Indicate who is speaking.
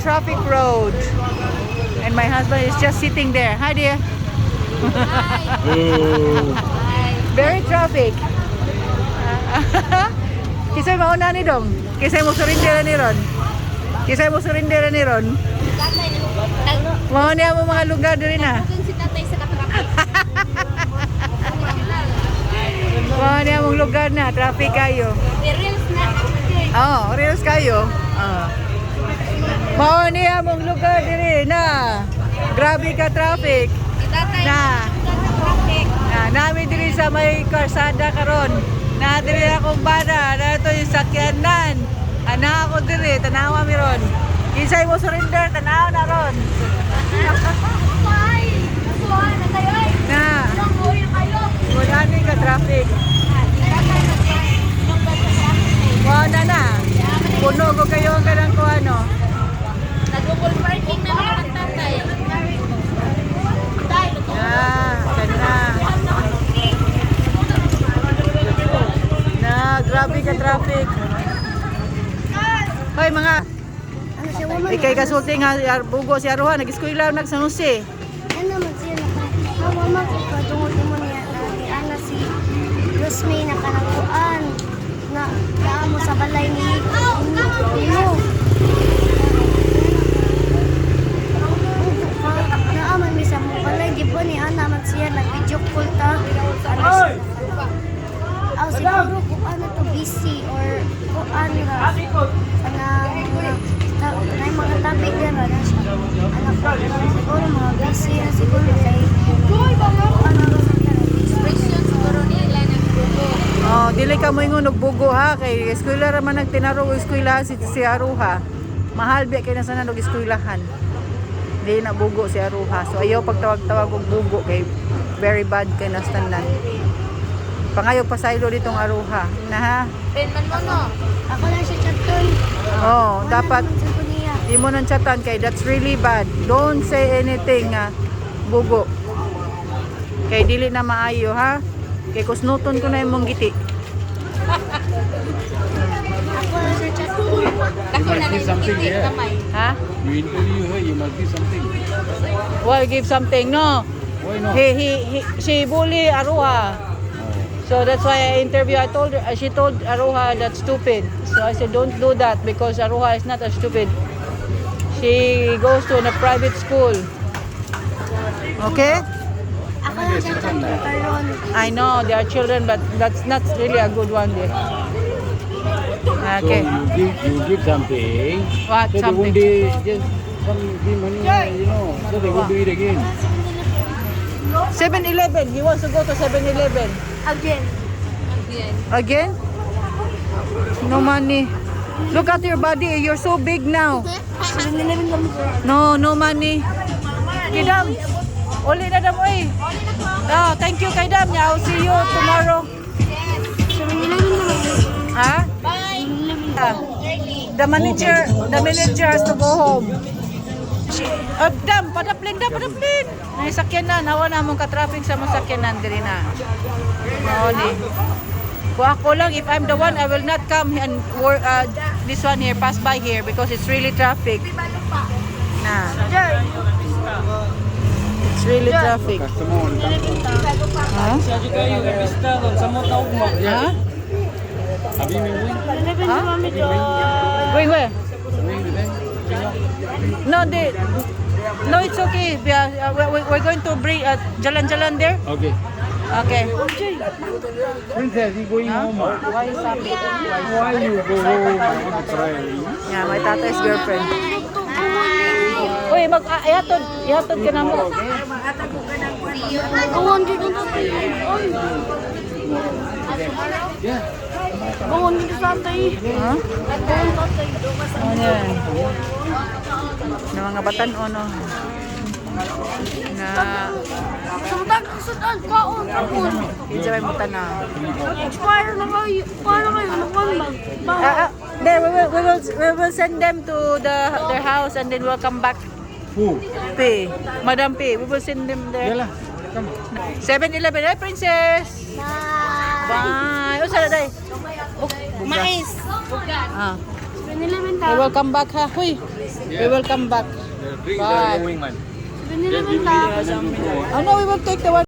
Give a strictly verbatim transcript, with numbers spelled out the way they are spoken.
Speaker 1: Traffic road. And my husband is just sitting there. Hi dear. Very traffic. Kisay mauna ni Dong. Kisay mo surindera ni Ron. Kisay mo surindera ni Ron. Mau niya mo mga lugar diri na. Mau niya mong lugar na, traffic kayo.
Speaker 2: Reels na.
Speaker 1: Oh, reels kayo. Oh. Mau niya mong lugar diri na. Grabe ka traffic. Na. Na, nami diri sa may karsada karon. Na diri akong bana, na ito yung sakyanan. Ana ako diri, tanawa mi ron. Kisay mo surrender, tanawa na ron. Na. Wala ni ka traffic. Wala na. Puno ko kayo ang kanang ko ano.
Speaker 2: Nag-google parking na naman ang tatay.
Speaker 1: Ah, kana. Na, grabe ka traffic. Hoy mga.
Speaker 3: Ano siya woman?
Speaker 1: Ikay kasulti nga bugo si Aruha nag-eskwela nag San Jose.
Speaker 3: Ano naman siya na hawa man ko tungod mo niya na ni ana si Rosmay na kanakuan na naamo sa balay ni Uno. Naaman mi sa mo balay di ba ni ana man siya nag video call ta. Aw siguro kung ano to busy or kung ano ra kanang na mga tabi dira na siya. Anak ko siguro mga busy na siguro kay ano
Speaker 2: Expression siguro nila nag-google.
Speaker 1: Oh, dili ka mo ingon og bugo ha kay eskwela ra man nagtinaro og eskwela si si Aruha. Mahal biya kay nasa og eskwelahan. Dili na bugo si Aruha. So ayaw pagtawag-tawag og bugo kay very bad kay nastanan. Pangayo pasaylo ditong Aruha. Na ha?
Speaker 2: Ben man mo no.
Speaker 3: ako lang siya chaton.
Speaker 1: Oh, dapat
Speaker 3: Sa niya.
Speaker 1: di mo nang chatan kay that's really bad. Don't say anything nga bugo. Kay dili na maayo ha. Kay kusnuton ko na imong giti.
Speaker 3: Ako lang siya chaton.
Speaker 2: Dako na lang
Speaker 4: something,
Speaker 2: hindi
Speaker 4: yeah.
Speaker 2: kamay.
Speaker 1: Ha?
Speaker 4: You interview her, you must give something.
Speaker 1: Well, give something. No.
Speaker 4: Why not?
Speaker 1: He, he, he, she bully Aruha. So that's why I interview. I told her, she told Aruha that's stupid. So I said, don't do that because Aruha is not as stupid. She goes to a private school. Okay?
Speaker 3: Ako lang siya chaton karon.
Speaker 1: I know they are children, but that's not really a good one. There. Okay.
Speaker 4: So you give, you give something.
Speaker 1: What
Speaker 4: So
Speaker 1: something?
Speaker 4: they won't be just some give money, you know, so they won't do it again.
Speaker 1: seven eleven. He wants to go to seven eleven.
Speaker 3: Again.
Speaker 1: Again? No money. Look at your body. You're so big now.
Speaker 3: Nilabing kami.
Speaker 1: No, no money. Kidam. Uli na dam oy. Oh, thank you kay Dam. I'll see you tomorrow.
Speaker 3: Nilabing naman.
Speaker 1: Ha? Ah, the manager, the manager has to go home. She, oh, Dam, padaplin, Dam, padaplin. May sakyanan, hawa na mong ka-traffic sa mga sakyanan diri na. Oo ni. Kung ako lang, if I'm the one, I will not come and work, uh, this one here, pass by here because it's really traffic. Na. It's really traffic.
Speaker 4: Customer on
Speaker 1: Ha? Ha?
Speaker 4: Abi may win.
Speaker 3: Nilabing
Speaker 1: Huh?
Speaker 3: kami do.
Speaker 1: Wait, where?
Speaker 4: Win with them. Bring up.
Speaker 1: No, they, no, it's okay. We are, uh, we- we're going to bring uh, jalan-jalan there.
Speaker 4: Okay.
Speaker 1: Okay.
Speaker 4: Princess, you going home? ah?
Speaker 1: Why is happy?
Speaker 4: Why you go home? I want to try.
Speaker 1: Yeah, my tatay's girlfriend. Uy, mag ah, ihatod, ihatod ka na mo.
Speaker 3: Bawon dito sa
Speaker 4: Yeah.
Speaker 3: Bawon dito sa tay.
Speaker 1: Ha?
Speaker 3: Bawon tatay.
Speaker 1: Ano yan? Na mga batan o no? Na,
Speaker 3: Sa matag sudan kaon kaon.
Speaker 1: hindi may mutan na.
Speaker 3: Expire na kayo. Paano kayo nakuan ba?
Speaker 1: Ah, ah, there, we will, we will, we will send them to the their house and then we'll come back.
Speaker 4: Who?
Speaker 1: P. Madam P. We will send them
Speaker 4: Yeah
Speaker 1: there.
Speaker 4: lah. Come.
Speaker 1: seven eleven. Hey, princess!
Speaker 3: Bye.
Speaker 1: Bye! O, sala day?
Speaker 2: Mais.
Speaker 1: Ah.
Speaker 3: seven eleven
Speaker 1: We will come back ha. Huy. We will come back.
Speaker 5: Drink
Speaker 1: Bye.
Speaker 5: the wingman.
Speaker 3: seven eleven ta.
Speaker 1: Oh no, we will take the one.